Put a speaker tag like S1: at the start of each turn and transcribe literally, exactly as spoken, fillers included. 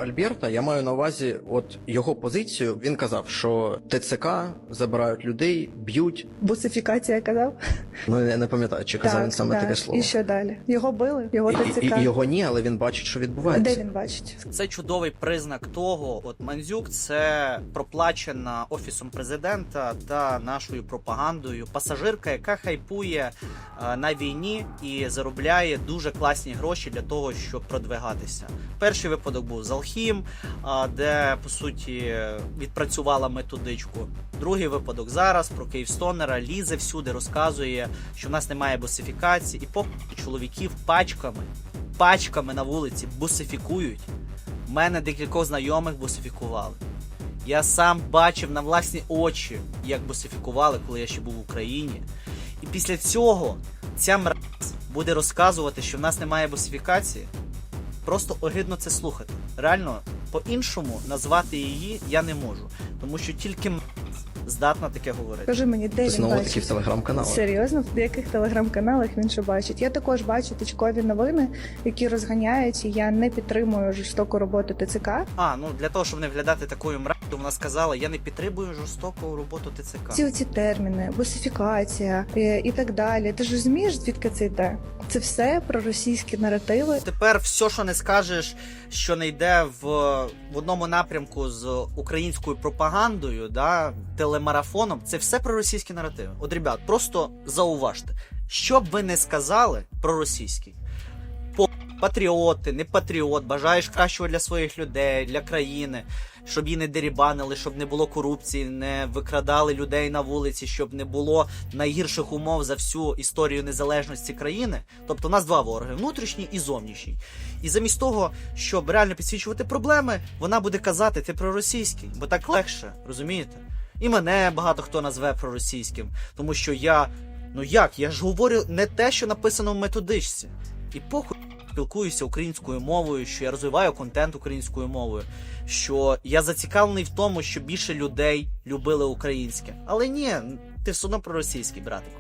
S1: Альберта, я маю на увазі от його позицію. Він казав, що ТЦК забирають людей, б'ють.
S2: Бусифікація казав?
S1: Ну я не пам'ятаю, чи казав він саме таке слово.
S2: І що далі? Його били? Його
S1: І,
S2: ТЦК?
S1: і, і його ні, але він бачить, що відбувається.
S2: Де він бачить?
S3: Це чудовий признак того, от Мандзюк це проплачена офісом президента та нашою пропагандою пасажирка, яка хайпує е, на війні і заробляє дуже класні гроші для того, щоб продвигатися. Перший випадок був з Алхім, е, де по суті відпрацювала методичку. Другий випадок зараз про Київстонера лізе всюди, розказує, що в нас немає бусифікації, і поки чоловіків пачками, пачками на вулиці бусифікують. У мене декількох знайомих бусифікували. Я сам бачив на власні очі, як бусифікували, коли я ще був в Україні. І після цього ця мразь буде розказувати, що в нас немає бусифікації. Просто огидно це слухати. Реально, по-іншому назвати її я не можу. Тому що тільки мразь здатна таке говорити.
S2: Скажи мені, де він
S1: Знову таки
S2: бачить?
S1: в телеграм-каналах.
S2: Серйозно? В яких телеграм-каналах він що бачить? Я також бачу точкові новини, які розганяють, і я не підтримую жорстоку роботу ТЦК.
S3: А, ну для того, щоб не виглядати такою мразю, вона сказала, я не підтримую жорстоку роботу ТЦК.
S2: Ці оці терміни, бусифікація і, і так далі. Ти ж розумієш, звідки це йде? Це все про російські наративи.
S3: Тепер все, що не скажеш, що не йде в, в одному напрямку з українською пропагандою, да, телемарафоном, це все про російські наративи. От, ребят, просто зауважте, що б ви не сказали про російський. По патріоти, не патріот, бажаєш кращого для своїх людей, для країни, щоб її не дерібанили, щоб не було корупції, не викрадали людей на вулиці, щоб не було найгірших умов за всю історію незалежності країни. Тобто у нас два вороги, внутрішній і зовнішній. І замість того, щоб реально підсвічувати проблеми, вона буде казати, ти проросійський, бо так легше, розумієте? І мене багато хто назве проросійським, тому що я, ну як, я ж говорю не те, що написано в методичці. І похуй спілкуюся українською мовою, що я розвиваю контент українською мовою, що я зацікавлений в тому, що більше людей любили українське. Але ні, ти все одно проросійський, братику.